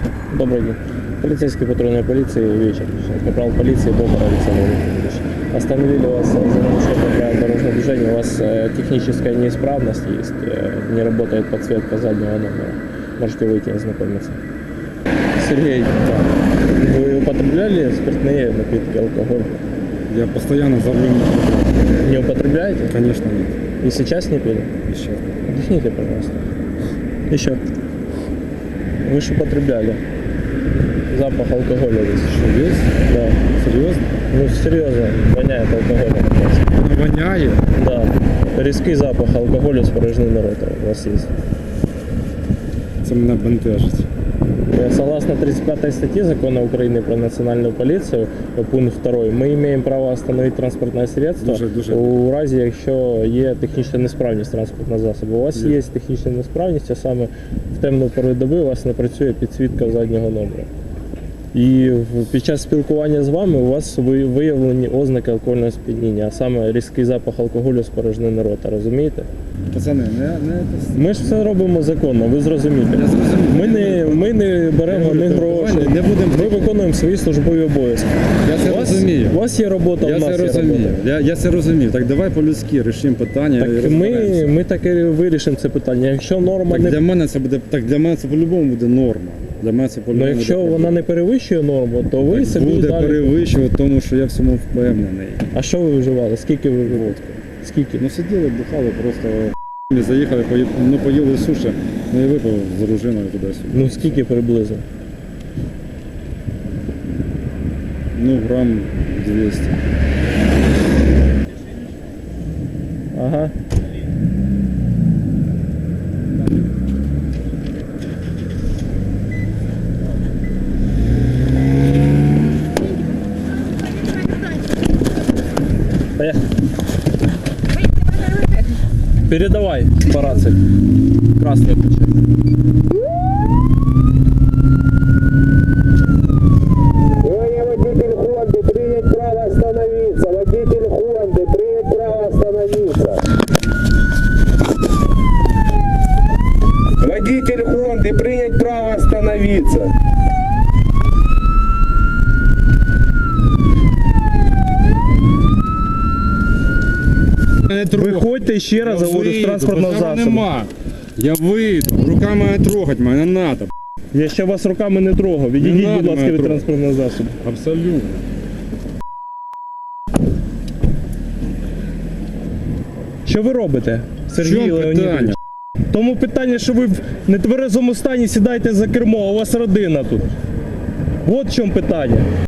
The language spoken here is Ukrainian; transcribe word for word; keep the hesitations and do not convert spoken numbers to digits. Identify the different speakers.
Speaker 1: Добрый день. Полицейский патрульной полиции вечер. Капрал полиции Бобр Александр Владимирович. Остановили вас за нарушение правил дорожного движения. У вас э, техническая неисправность есть. Э, не работает подсветка заднего номера. Можете выйти и ознакомиться. Сергей, да. Вы употребляли спиртные напитки, алкоголь?
Speaker 2: Я постоянно за рулем не употребляю.
Speaker 1: Не употребляете?
Speaker 2: Конечно нет.
Speaker 1: И сейчас не пили?
Speaker 2: Еще.
Speaker 1: Объясните, пожалуйста. Еще. Вы же употребляли. Запах алкоголя здесь.
Speaker 2: Что, есть?
Speaker 1: Да.
Speaker 2: Серьезно?
Speaker 1: Ну, серьезно, воняет алкоголем.
Speaker 2: Воняет?
Speaker 1: Да. Різкий запах алкоголю з порожнини рота у вас є.
Speaker 2: Це мене бентежить.
Speaker 1: Согласно тридцать пятой статье Закона Украины про национальную полицию, пункт второй, мы имеем право остановить транспортное средство
Speaker 2: Дуже, дуже.
Speaker 1: у разі, якщо є технічна несправність транспортного засобу. У вас
Speaker 2: Є.
Speaker 1: є технічна несправність, а саме в темну пору доби у вас не працює підсвітка заднього номера. І в- під час спілкування з вами у вас ви- виявлені ознаки алкогольного сп'яніння, а саме різкий запах алкоголю з порожнини рота, розумієте?
Speaker 2: Пацани, не, не...
Speaker 1: Ми ж все робимо законно, ви зрозумієте.
Speaker 2: Я зрозумів.
Speaker 1: Ми не, ми не беремо
Speaker 2: Я
Speaker 1: ні
Speaker 2: говорю,
Speaker 1: гроші,
Speaker 2: давай не будемо-
Speaker 1: ми виконуємо свої службові обов'язки.
Speaker 2: Я це
Speaker 1: У вас,
Speaker 2: розумію.
Speaker 1: у вас є робота,
Speaker 2: Я
Speaker 1: у нас
Speaker 2: це
Speaker 1: є
Speaker 2: розумію.
Speaker 1: робота.
Speaker 2: Я, я це розумію. Так давай по-людськи рішимо питання. і
Speaker 1: Так ми,
Speaker 2: розберемося.
Speaker 1: ми так і вирішимо це питання. Якщо норма
Speaker 2: Так
Speaker 1: не
Speaker 2: для мене це буде, так для мене це по-любому буде норма. Для мене це
Speaker 1: ну,
Speaker 2: по-любому
Speaker 1: якщо
Speaker 2: буде
Speaker 1: вона не перевищує норму, то ви
Speaker 2: Так
Speaker 1: собі
Speaker 2: буде
Speaker 1: далі.
Speaker 2: перевищувати, тому що я в цьому впевнений.
Speaker 1: А що ви вживали? Скільки ви вживали? Скільки?
Speaker 2: Ну сиділи, бухали, просто заїхали, пої- ну поїли суші, ну і випив з дружиною туди-сюди.
Speaker 1: Ну скільки приблизно?
Speaker 2: Ну грам двісті.
Speaker 1: Ага. Поехали. Передавай по рации. Красный включай.
Speaker 3: Сегодня водитель Хонды принять право остановиться. Водитель Хонды принять право остановиться. Водитель Хонды принять право остановиться.
Speaker 2: Не трогай.
Speaker 1: Виходьте ще раз,
Speaker 2: Я
Speaker 1: заводу з
Speaker 2: вийду,
Speaker 1: транспортного
Speaker 2: базару
Speaker 1: засобу.
Speaker 2: нема. Я вийду, руками не трогать мене, не треба.
Speaker 1: Я ще вас руками не трогав. Відійдіть,
Speaker 2: надо
Speaker 1: будь ласка,
Speaker 2: мене
Speaker 1: від
Speaker 2: трогати.
Speaker 1: транспортного засобу.
Speaker 2: Абсолютно.
Speaker 1: Що ви робите,
Speaker 2: В
Speaker 1: Сергій
Speaker 2: чому
Speaker 1: Леонідович?
Speaker 2: питання?
Speaker 1: Тому питання, що ви в нетверезому стані сідаєте за кермо, а у вас родина тут. От в чому питання.